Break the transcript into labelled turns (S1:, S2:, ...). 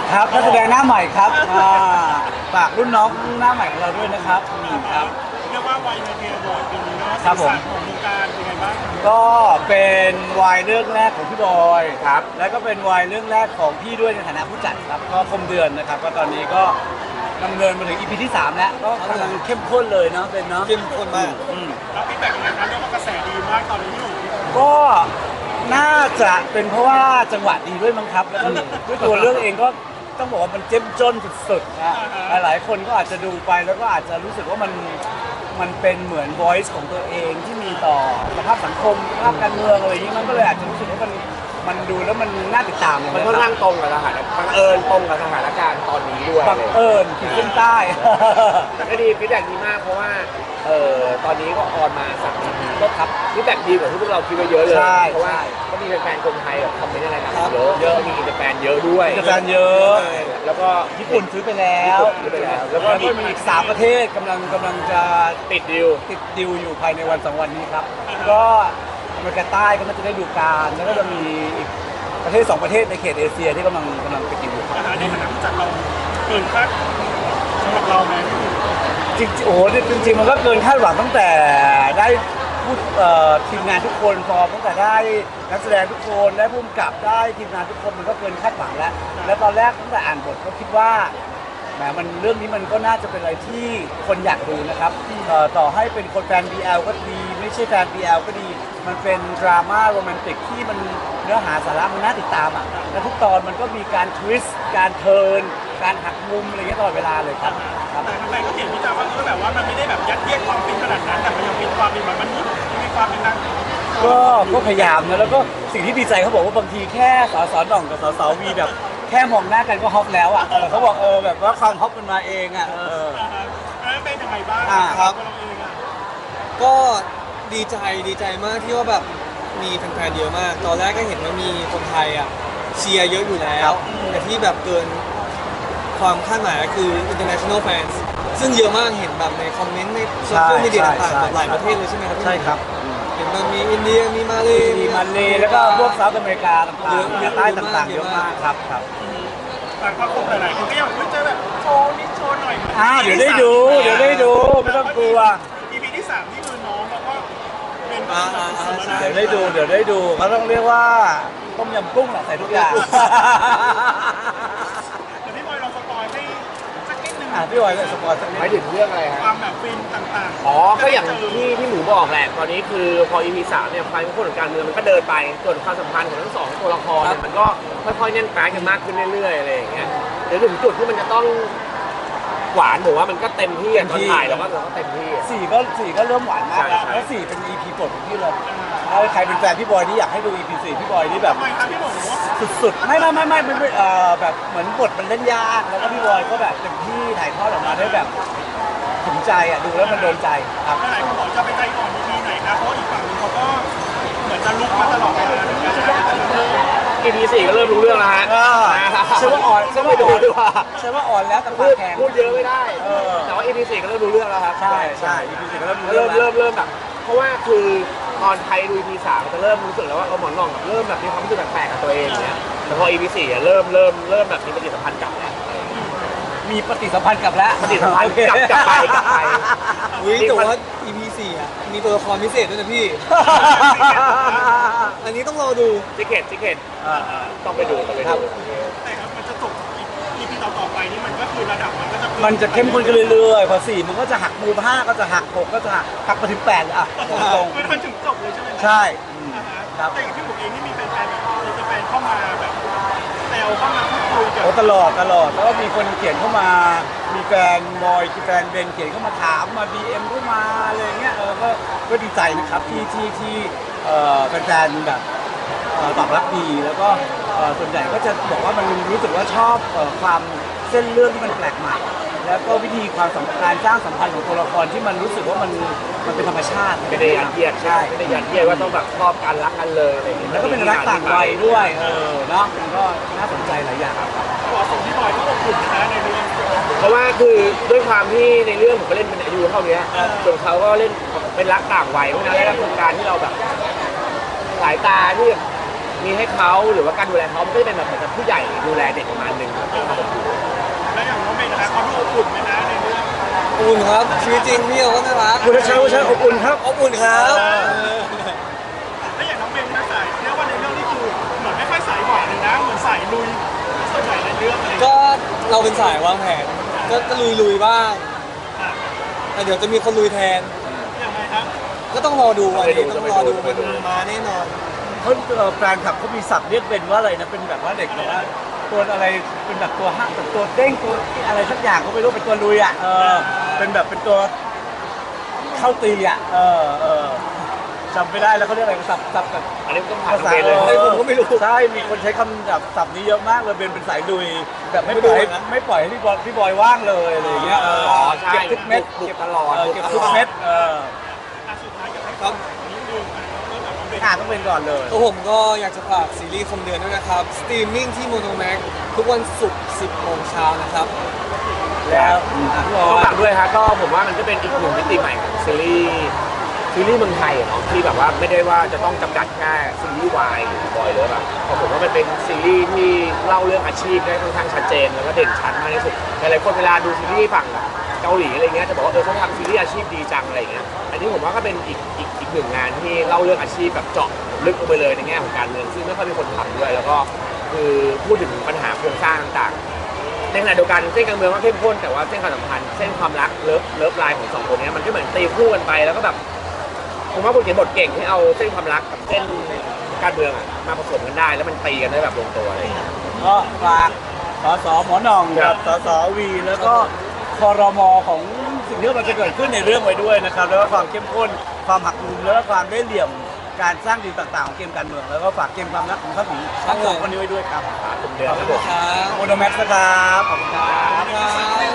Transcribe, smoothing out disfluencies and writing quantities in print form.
S1: ครับนักแสดงหน้าใหม่ครับฝากรุ่นน้องหน้าใหม่ของเราด้วยนะครับครับ
S2: เรียกว่าวัยในเทียร์บอร์ดปีนี้เนาะ
S1: ครับผม
S2: สีสันของวงการเป็นไงบ้าง
S1: ก็เป็นวายเรื่องแรกของพี่บอยครับแล้วก็เป็นวายเรื่องแรกของพี่ด้วยในฐานะผู้จัดครับก็คมเดือนนะครับก็ตอนนี้ก็ดำเนินมาถึง EP ที่ 3 แล้วก็กำลังเข้มข้นเลยเนาะเป็นเนาะเข้มข้นมาก
S2: แล้วฟีดแบ็กยังไงครับเรียกว่ากระแสดีมากตอนนี้พี่หนุ่ม
S1: ก็น่าจะเป็นเพราะว่าจังหวะดีด้วยมั้งครับแล้วก็ด้วยตัวเรื่องเองก็ต้องบอกว่ามันเจ้มจนสุดๆนะหลายๆคนก็อาจจะดูไปแล้วก็อาจจะรู้สึกว่ามันเป็นเหมือน voice ของตัวเองที่มีต่อสภาพสังคมสภาพการเมืองอะไรอย่างนี้มันก็เลยอาจจะรู้สึกว่ามันดูแล้วมันน่าติดตาม
S3: มันค่อนข้างตรงกับสถานบังเอิญตรงกับสถานการณ์ตอนนี้ด้วย
S1: บังเอิญขีดเส้นใต้
S3: แต่ก็ดีฟีดแบ็กดีมากเพราะว่าตอนนี้ก็ออนมา3 EP
S1: ก็ครับ
S3: ฟีดแบ็กดีกว่าที่พวกเราคิดไว้เยอะเลย
S1: ใช่
S3: เพราะว่าก็มีแฟนๆคนไทยแบบคอมเมนต์อะไรกันเยอะมีอินเตอร์แฟนเยอะด้วย
S1: มีแฟนเยอะ
S3: แล้วก็
S1: ญี่ปุ่นซื้อไปแล้ว
S3: ซื้อไปแล้ว
S1: แล้วก็มีอีก3ประเทศกำลังจะ
S3: ติดดิว
S1: ติดดิวอยู่ภายในวัน2 วันนี้ครับ ก็อเมริกาใต้ก็น่าจะได้ดูการแล้วก็จะมีอีกประเทศ2 ประเทศในเขตเอเชียที่กำลังไปดิวอยู่ครับ
S2: อาหารในฐานะผู้จัดเราเกินคาดสำหรับเราไหม
S1: จริงๆโอ้โหจริงๆมันก็เกินคาดหวังตั้งแต่ได้พูดทีมงานทุกคนพอตั้งแต่ได้นักแสดงทุกคนได้ผู้กำกับได้ทีมงานทุกคนมันก็เกินคาดหวังแล้วแล้วตอนแรกตั้งแต่อ่านบทก็คิดว่าแหมมันเรื่องนี้มันก็น่าจะเป็นอะไรที่คนอยากดูนะครับต่อให้เป็นคนแฟน BL ก็ดีไม่ใช่แฟน BL ก็ดี มันเป็นดราม่าโรแมนติกที่มันเนื้อหาสาระมันน่าติดตามอ่ะและทุกตอนมันก็มีการทวิสต์การเทิร์นการหักมุมอะไรเงี้ยตลอดเวลาเลยครับครับ
S2: แต่ทำไมก็เห็นวิจารณ์ว่าแบบว่ามันไม่ได้แบบยัดเยียดความฟินขนาดนั้นแต่มันยังมีความเป็นแบบมนุษย์ยังมีความเป็นนัก
S1: ก็พยายามนะแล้วก็สิ่งที่ดีใจเขาบอกว่าบางทีแค่สสหน่องกับสสวีแบบแค่มองหน้ากันก็ฮอปแล้วอ่ะเขาบอกแบบว่าความฮอปมันมาเองอ่ะ
S2: แล้วเป็นยังไงบ้าง
S4: ครับ
S2: ตัวเราเองอะ
S4: ก็ดีใจมากที่ว่าแบบมีแฟนๆเยอะมาก ตอนแรกก็เห็นว่ามีคนไทยอ่ะเชียร์เยอะอยู่แล้ว แต่ที่แบบเกินความคาดหมายก็คือ international fans ซึ่งเยอะมากเห็นแบบในคอมเมนต์ในโซเชียลมีเดียต่างๆแบบหลายประเทศเลยใช่ไหมครับพี่
S1: ใช่ครับ
S4: เห็นมันมีอินเดียมีมาเล
S1: มีมาเลแล้วก็พวกเซาท์อเมริกาต่างๆใต้ต่างๆเยอะมากครับ
S2: แต่ก็คงหลายๆคนก็ยังไม่เจอแบบโชว์นิดโชว์หน่อย
S1: เดี๋ยวได้ดูไม่ต้องกลัว
S2: EP ที่3ที่มือน้องแล้วก็เป็นสุดๆแล้วนะ
S1: เดี๋ยวได้ดูเขาต้องเรียกว่าต้มยำกุ้งแหละใส่ทุกอย่าง
S2: เดี๋ยวพี่บอยลองสปอยให้สักนิดนึง
S1: พี่บอยสปอยล์สักนิ
S3: หมาย
S1: ด
S3: ถึงเรื่องอะไรฮะ
S2: ความแบบฟินต่างๆ
S3: อ๋อก็อย่างที่หมูบอกแหละตอนนี้คือพอ EP 3เนี่ยความเข้มข้นของการเมืองมันก็เดินไปส่วนความสัมพันธ์ของทั้งสองตัวละครเนี่ยมันก็ค่อยๆแน่นแฟ้กันมากขึ้นเรื่อยๆอะไรอย่างเงี้ยเดี๋ยวถึงจุดที่มันจะต้องหวานผมว่ามันก็เต็มที่อะตอนถ่ายเราก็เต็มที่อะ
S1: สี่ก็เริ่มหวานมากแล้ว
S3: ใช่
S1: แล้ว4เป็น EP โปรดของพี่เลยถ้าใครเป็นแฟนพี่บอยที่อยากให้ดู EP 4พี่บอยนี่แบบ
S2: ทำไมครับพี่หมู
S1: สุดๆไม่แบบเหมือนบทมันเล่นยากแล้วก็พี่บอยก็แบบเต็มที่ถ่ายทอดออกมาได้แบบถึงใจอ่ะดูแล้วมันโดนใจครับ
S2: หลายคนบอกจะไปใจก่อน EP ไหนครับเพราะอีกฝั่งนึงเขาก็เหมือนจะลุกมาตลอดเวลาเหมือนกันนะ
S3: EP 4ก็เริ่มรู้เรื่องแล้วฮะ
S1: ใช่ว่าอ่อน
S3: ก็ไม่ดูดีกว่า
S1: ใช่ว่าอ่อนแล้วแต่
S3: พู
S1: ปาก
S3: ด
S1: แข็ง
S3: พูดเยอะไม่ได้แต่ว่า EP 4ก็เริ่มรู้เรื่องแล้วครับ
S1: ใช่ EP 4ก็เริ่มรู้
S3: เริ่ม
S1: แล้ว
S3: เริ่มแบบเพราะว่าคือตอนไทยดู EP 3มันจะเริ่มรู้สึกแล้วว่าหมอนรองแบบเริ่มแบบมีความรู้สึกแปลกๆกับตัวเองเนี่ยแต่พอ EP 4อะเริ่มแบบมีปฏิสัมพันธ์กลับแล้ว
S1: มีปฏิสัมพันธ์กับแล้ว
S3: ปฏิสัมพันธ์กลับไป
S4: อุ้ยแต่ว่า EP 4อ่ะมีตัวละครพิเศษด้วยนะพี่ อันนี้ต้องรอดู
S3: จิเกตต้องไปดูต้องไปดู
S2: แต่ครับมันจะจบ EP ต่อๆไปนี่มันก็คือระดับมันก็จะ
S1: มันจะเข้มข้นขึ้นเรื่อยๆพอ4มันก็จะหักมุม5ก็จะหัก6ก็จะหักไปถึง8เลยอ่ะตรง
S2: คือมันถึงจบเลยใช่ไหม
S1: ๆใช่ ครับ
S2: แต่อย่างที่ผมเองนี่มีแฟนๆแบบมีแฟนเข้ามาแบบแซวเข้ามาพูดคุยกับ
S1: โอ้ตลอดแล้วก็มีคนเขียนเข้ามา มีแฟนบอยแฟนเบนเขียนเข้ามาถามมา BM เข้ามาอะไรเงี้ยก็ดีใจนะครับที่แฟนๆแบบตอบรับดีแล้วก็ส่วนใหญ่ก็จะบอกว่ามันรู้สึกว่าชอบความเส้นเรื่องที่มันแปลกใหม่ แล้วก็วิธีความสัมพันธ์สร้างสัมพันธ์ของตัวละครที่มันรู้สึกว่ามันเป็นธรรมชาติ
S3: ไม่ได้ยัดเยียด
S1: ใช่
S3: ไม่ได้ยัดเยียดว่าต้องแบบชอบกันรักกันเลยอะไรอย่างเงี้ย
S1: แล้วก็เป็นรักต่างวัยด้วยเนาะมันก็น่าสนใจหลายอย่าง
S2: ขอส่งพี่บอยที่อบอุ่นนะในเรื่อง
S3: เพราะว่าคือด้วยความที่ในเรื่องผมก็เล่นเป็นอายุเท่านี้ส่วนเขาก็เล่นเป็นรักต่างวัยเพราะฉะนั้นแล้วคือการที่เราแบบสายตาที่มีให้เขาหรือว่าการดูแลเขามันก็จะเป็นแบบเหมือนกับผู้ใหญ่ดูแลเด็กประมาณหนึงครับ
S2: แล้วอย่างน้องเมย์นะคะเขาดูอบอุ่นไหมนะในเรื่อง
S4: อุ่นครับชีวิตจริงพี่เขาก็น่ารัก
S1: คุณชัยชัยอบอุ่นครับ
S4: อบอุ่นครับ
S2: แล้วอย่างน้องเมย์นะสายเรียกว่าในเรื่องนี่คือเหมือนไม่ค่อยสายหวานเลยนะเหมือนสายลุยส่วนใหญ่ในเรื่องอะไร
S4: ก็เราเป็นสายวางแผนก็ลุยบ้างแต่เดี๋ยวจะมีคนลุยแทน
S2: ยังไงครับ
S4: ก็ต้องรอดูวันนี้ต้องรอดูมันมาแน่นอน
S1: เขาแฟนคลับเขามีศัพท์เรียกเป็นว่าอะไรนะเป็นแบบว่าเด็กแบบว่าตัวอะไรเป็นแบบตัวห้างแบบตัวเด้งตัวอะไรสักอย่างก็ไม่รู้เป็นตัวลุยอ่ะเป็นแบบเป็นตัวเข้าตีอ่ะจำไม่ได้แล้วเขาเรียกอะไรศัพท์แบบ
S3: อันนี้ก็ผ่าน
S1: ภาษา
S3: เกณฑ์เลย
S1: ผมก็ไม่รู้ใช่มีคนใช้คำแบบศัพท์นี้เยอะมากเลยเป็นสายลุยแบบไม่ปล่อยให้พี่บอยว่างเลยอะไรอย่างเงี้ย
S3: ใช่
S1: เก็บทุกเม็ด
S3: บุกตลอด
S1: เก็บทุกเม็ด
S2: สุดท้ายอยากให้
S4: ครับ
S2: นิดนึงเริ่มจากน้องเมย์
S1: ต้องเป็นก่อนเลย
S4: ตัวผมก็อยากจะฝากซีรีส์คมเดือนด้วยนะครับ สตรีมมิ่งที่โมโนแม็กทุกวันศุกร์ 10 โมงเช้านะครับ
S1: แล้วพี่บอ
S3: ต้อง
S1: ย
S3: ฝากด้วยฮะก็ผมว่ามันก็เป็นอีกหนึ่งมิติใหม่ของซีรีส์เมืองไทยอะเนาะที่แบบว่าไม่ได้ว่าจะต้องจำกัดแค่ซีรีส์วายหรือบอยเลยแบบเพราะผมว่ามันเป็นซีรีส์ที่เล่าเรื่องอาชีพได้ค่อนข้างชัดเจนแล้วก็เด่นชัดมากที่สุดหลายๆคนเวลาดูซีรีส์ฝั่งเกาหลีอะไรเงี้ยจะบอกว่าเขาทำซีรีส์อาชีพดีจังอะไรเงี้ยอันนี้ผมว่าก็เป็นอีกหนึ่งงานที่เล่าเรื่องอาชีพแบบเจาะลึกลงไปเลยในแง่ของการเมืองซึ่งไม่ค่อยมีคนทำด้วยแล้วก็คือพูดถึงปัญหาโครงสร้างต่างๆในขณะเดียวกันเส้นการเมืองก็เข้มข้นแต่ว่าเส้นความสัมพันธ์เส้นความรักเลิฟไลน์ของสองคนนี้มันก็เหมือนตีคู่กันไปแล้วก็แบบผมว่าคนเขียนบทเก่งที่เอาเส้นความรักกับเส้นการเมืองอะมาผสมกันได้แล้วมันตีกันได้แบบลงตัวอะไรอย่างเงี้ย
S1: ก็ฝากสหมอหน่องกับสวีแล้วก็ครมของสิ่งที่มันจะเกิดขึ้นในเรื่องไว้ด้วยนะครับแล้วก็ความเข้มข้นความหักมุมแล้วก็ความได้เหลี่ยมการสร้างดีลต่างๆของเกมการเมืองแล้วก็ฝากเกมความรักของทั้งสองคนนี้ไว้ด้วยครับ
S3: ผมเดือน
S4: ขอบ
S3: ครับ
S4: คุ
S3: ผ
S4: ณ
S3: ม
S4: ครับ
S1: โอโนแม็กซ์นะครับขอบคุณครับ
S4: ครับ